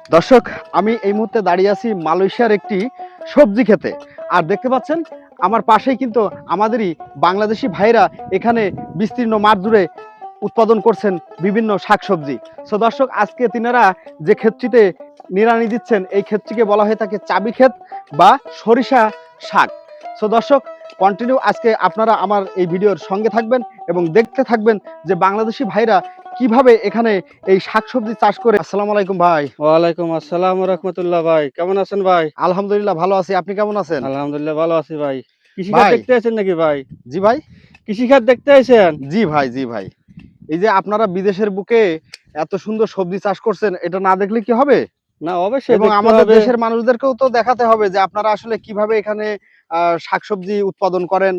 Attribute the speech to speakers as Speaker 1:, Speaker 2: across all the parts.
Speaker 1: দর্শক, আমি এই মুহূর্তে দাঁড়িয়ে আছি মালয়েশিয়ার একটি সবজি ক্ষেতে। আর দেখতে পাচ্ছেন আমার পাশেই কিন্তু আমাদেরই বাংলাদেশি ভাইরা এখানে বিস্তীর্ণ মাঠ জুড়ে উৎপাদন করছেন বিভিন্ন শাকসবজি। সো দর্শক, আজকে তিনারা যে ক্ষেতটিতে নিড়ানি দিচ্ছেন এই ক্ষেতটিকে বলা হয়ে থাকে চাবি ক্ষেত বা সরিষা শাক। সো দর্শক, কন্টিনিউ আজকে আপনারা আমার এই ভিডিওর সঙ্গে থাকবেন এবং দেখতে থাকবেন যে বাংলাদেশি ভাইরা কিভাবে এখানে এই শাকসবজি চাষ করে। আসসালামু আলাইকুম ভাই।
Speaker 2: ওয়ালাইকুম আসসালাম রাহমাতুল্লাহ। ভাই কেমন আছেন ভাই?
Speaker 1: আলহামদুলিল্লাহ ভালো আছি, আপনি কেমন আছেন?
Speaker 2: আলহামদুলিল্লাহ ভালো আছি ভাই। কৃষিখাত
Speaker 1: ভাই,
Speaker 2: দেখতে আছেন নাকি ভাই?
Speaker 1: জি ভাই।
Speaker 2: কৃষিখাত দেখতে আছেন?
Speaker 1: জি ভাই, জি ভাই। এই যে আপনারা বিদেশের বুকে এত সুন্দর সবজি চাষ করছেন, এটা না দেখলে কি হবে?
Speaker 2: না, অবশ্যই
Speaker 1: এবং
Speaker 2: দেখতে
Speaker 1: আমাদের
Speaker 2: হবে।
Speaker 1: দেশের মানুষদেরকেও তো দেখাতে হবে যে আপনারা আসলে কিভাবে এখানে শাকসবজি উৎপাদন করেন।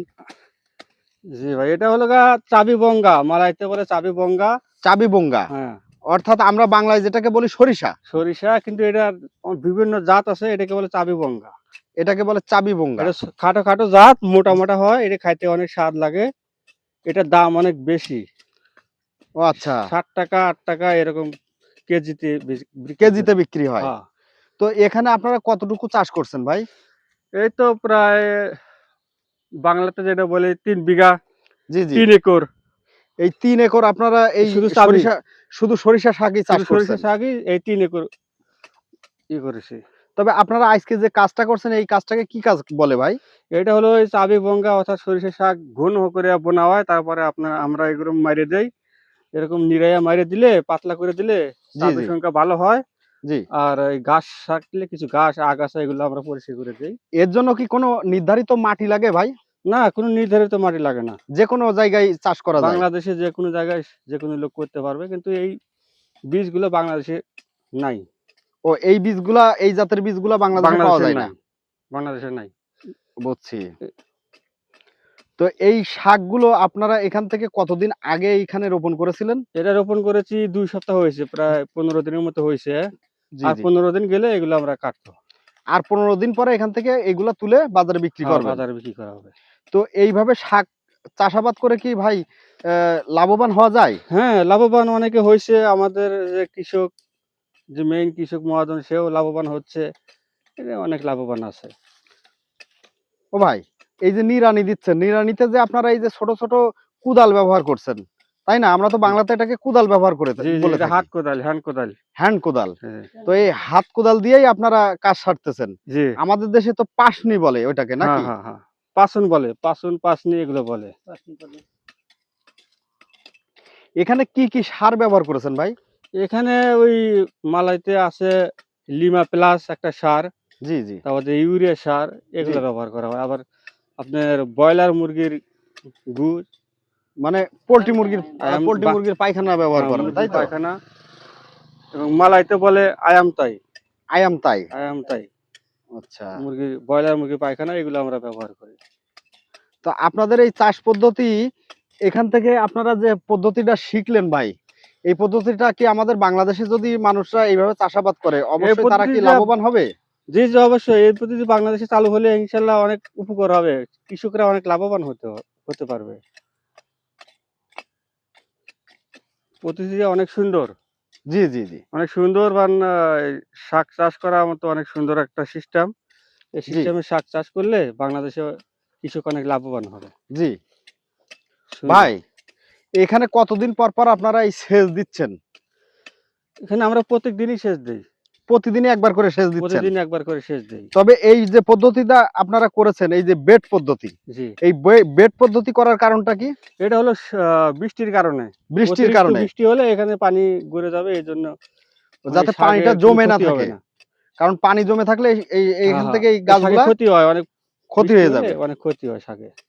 Speaker 2: জি ভাই, এটা হলো গা চাবি বঙ্গা, মালাইতে বলে চাবি বঙ্গা।
Speaker 1: চাবি বঙ্গা,
Speaker 2: হ্যাঁ,
Speaker 1: অর্থাৎ আমরা বাংলায় যেটাকে বলি সরিষা,
Speaker 2: সরিষা, কিন্তু এটার বিভিন্ন জাত আছে, এটাকে বলে চাবি বঙ্গা।
Speaker 1: এটাকে বলে চাবি বঙ্গা।
Speaker 2: এটা খাটো খাটো জাত, মোটা মোটা হয়, এটা খাইতে অনেক স্বাদ লাগে। এটার দাম অনেক বেশি।
Speaker 1: ও আচ্ছা,
Speaker 2: 60 টাকা 8 টাকা এরকম কেজিতে বিক্রি
Speaker 1: কেজিতে
Speaker 2: করে।
Speaker 1: বিক্রি হয়।
Speaker 2: হ্যাঁ,
Speaker 1: তো এখানে আপনারা কতটুকু চাষ করছেন ভাই?
Speaker 2: এই তো প্রায় বাংলাতে যেটা বলে 3 বিঘা,
Speaker 1: জি জি।
Speaker 2: 3 একর।
Speaker 1: এই ৩ একর আপনারা এই
Speaker 2: শুধু চাবি,
Speaker 1: সরিষা, শুধু সরিষা শাকই চাষ
Speaker 2: শুধু সরিষা
Speaker 1: করছেন।
Speaker 2: শাকই এই 3 একর করেছি।
Speaker 1: তবে আপনারা আজকে যে কাজটা করছেন এই কাজটাকে কি কাজ বলে ভাই?
Speaker 2: এটা হলো ওই চাবি বঙ্গা, অর্থাৎ সরিষা শাক ঘন করে বোনা হয়। তারপরে আমরা এগুলো মাইরে দেই। এরকম নিড়াইয়া মাইরে দিলে, পাতলা করে দিলে
Speaker 1: জি
Speaker 2: চাবির
Speaker 1: জি
Speaker 2: সংখ্যা ভালো হয়।
Speaker 1: জি।
Speaker 2: আর এই ঘাস থাকলে কিছু ঘাস, আগাছা এগুলো আমরা পরিষ্কার করে দেই।
Speaker 1: এর জন্য কি কোনো নির্ধারিত মাটি লাগে ভাই?
Speaker 2: না, কোনো নির্ধারিত মাটি লাগে না।
Speaker 1: যে কোনো জায়গায় চাষ করা যায়?
Speaker 2: বাংলাদেশে যেকোনো জায়গায় যেকোনো লোক করতে পারবে। কিন্তু এই বীজগুলো বাংলাদেশে নাই।
Speaker 1: ও, এই বীজগুলা, এই জাতের বীজগুলা বাংলাদেশে পাওয়া
Speaker 2: বাংলাদেশে
Speaker 1: যায় না?
Speaker 2: নাই। বাংলাদেশে নাই।
Speaker 1: বুঝছি। তো এই শাকগুলো আপনারা এখান থেকে কতদিন আগে এইখানে রোপণ করেছিলেন?
Speaker 2: এটা রোপণ করেছি ২ সপ্তাহ হয়েছে। প্রায় ১৫ দিনের মতো হইছে।
Speaker 1: জি
Speaker 2: আর
Speaker 1: জি।
Speaker 2: ১৫ দিন গেলে এগুলো আমরা কাটবো।
Speaker 1: আর ১৫ দিন পরে এখান থেকে এগুলা তুলে বাজারে বিক্রি
Speaker 2: হ্যাঁ,
Speaker 1: করবেন।
Speaker 2: বাজারে বিক্রি করা হবে।
Speaker 1: তো এইভাবে শাক চাষাবাদ করে কি ভাই লাভবান হওয়া যায়?
Speaker 2: হ্যাঁ, লাভবান অনেকে হইছে। আমাদের যে কৃষক, যে মেইন কৃষক মহাজন, সেও লাভবান হচ্ছে। এতে অনেক লাভবান আছে।
Speaker 1: ও ভাই, এই যে নিড়ানি দিচ্ছেন, নিড়ানিতে যে আপনারা এই যে ছোট ছোট কুদাল ব্যবহার করছেন, তাই না? আমরা তো
Speaker 2: জি,
Speaker 1: বাংলাতে এটাকে কুদাল ব্যবহার করে
Speaker 2: জি, জি,
Speaker 1: বলে
Speaker 2: এটা
Speaker 1: থাকি।
Speaker 2: হাত কোদাল, হ্যান্ড কোদাল।
Speaker 1: হ্যান্ড কোদাল।
Speaker 2: হ্যাঁ,
Speaker 1: তো এই হাত কোদাল দিয়েই আপনারা কাজ সারতেছেন।
Speaker 2: জি।
Speaker 1: আমাদের দেশে তো পাশনি বলে ওইটাকে,
Speaker 2: হ্যাঁ,
Speaker 1: নাকি?
Speaker 2: হ্যাঁ, হ্যাঁ। পাসুন বলে, পাসুন, পাসনি এগুলো বলে।
Speaker 1: এখানে কি কি সার ব্যবহার করেছেন ভাই?
Speaker 2: এখানে ওই মালাইতে আছে লিমা প্লাস একটা সার,
Speaker 1: জি জি
Speaker 2: তারপর যে ইউরিয়া সার,
Speaker 1: জি।
Speaker 2: এগুলো ব্যবহার করা হয়। আবার আপনার ব্রয়লার মুরগির গু,
Speaker 1: মানে পোল্ট্রি মুরগির
Speaker 2: আয়াম
Speaker 1: পোল্ট্রি
Speaker 2: বা
Speaker 1: মুরগির পায়খানা ব্যবহার
Speaker 2: হ্যাঁ,
Speaker 1: করেন, তাই
Speaker 2: মুরগির
Speaker 1: তো?
Speaker 2: পায়খানা, এবং মালাইতে বলে আয়ামতাই,
Speaker 1: আয়াম তাই।
Speaker 2: আয়ামতাই।
Speaker 1: আচ্ছা।
Speaker 2: ব্রয়লার মুরগির পায়খানা এগুলো আমরা ব্যবহার করি।
Speaker 1: তো আপনাদের এই চাষ পদ্ধতি, এখান থেকে আপনারা যে পদ্ধতিটা শিখলেন ভাই, এই পদ্ধতিটা কি আমাদের বাংলাদেশে যদি মানুষরা এইভাবে চাষাবাদ করে
Speaker 2: এই
Speaker 1: অবশ্যই তারা কি
Speaker 2: পদ্ধতিটা,
Speaker 1: লাভবান হবে?
Speaker 2: জি, জি, অবশ্যই এই পদ্ধতি বাংলাদেশে চালু হলে ইনশাআল্লাহ অনেক উপকার হবে। কৃষকরা অনেক লাভবান হতে পারবে। পদ্ধতিটা অনেক সুন্দর।
Speaker 1: জি জি জি
Speaker 2: অনেক সুন্দর এই শাক চাষ করার মতো অনেক সুন্দর একটা সিস্টেম। এই
Speaker 1: জি
Speaker 2: সিস্টেমে শাক চাষ করলে বাংলাদেশে কৃষক অনেক লাভবান হবে।
Speaker 1: জি।
Speaker 2: সুন্দর।
Speaker 1: ভাই, এখানে কতদিন পর পর আপনারা এই সেচ দিচ্ছেন?
Speaker 2: এখানে আমরা প্রত্যেকদিনই সেচ দেই।
Speaker 1: প্রতিদিনই একবার করে সেচ দিচ্ছেন?
Speaker 2: প্রতিদিন একবার করে সেচ দেই।
Speaker 1: তবে এই যে পদ্ধতিটা আপনারা করেছেন, এই যে বেড পদ্ধতি,
Speaker 2: জি।
Speaker 1: এই বেড পদ্ধতি করার কারণটা কি?
Speaker 2: এটা হলো বৃষ্টির কারণে।
Speaker 1: বৃষ্টির
Speaker 2: অতিরিক্ত
Speaker 1: কারণে,
Speaker 2: বৃষ্টি হলে এখানে পানি গড়ে যাবে, এজন্য মানে
Speaker 1: যাতে পানিটা
Speaker 2: শাকের কোনো
Speaker 1: জমে না
Speaker 2: ক্ষতি হবে
Speaker 1: থাকে।
Speaker 2: না।
Speaker 1: কারণ পানি জমে থাকলে
Speaker 2: হ্যাঁ,
Speaker 1: এইখান
Speaker 2: হ্যাঁ।
Speaker 1: থেকে এই
Speaker 2: এই শাকের
Speaker 1: গাছগুলা
Speaker 2: ক্ষতি হয় অনেক,
Speaker 1: ক্ষতি
Speaker 2: বৃষ্টি
Speaker 1: হয়ে
Speaker 2: হলে
Speaker 1: যাবে।
Speaker 2: অনেক ক্ষতি হয় শাকের।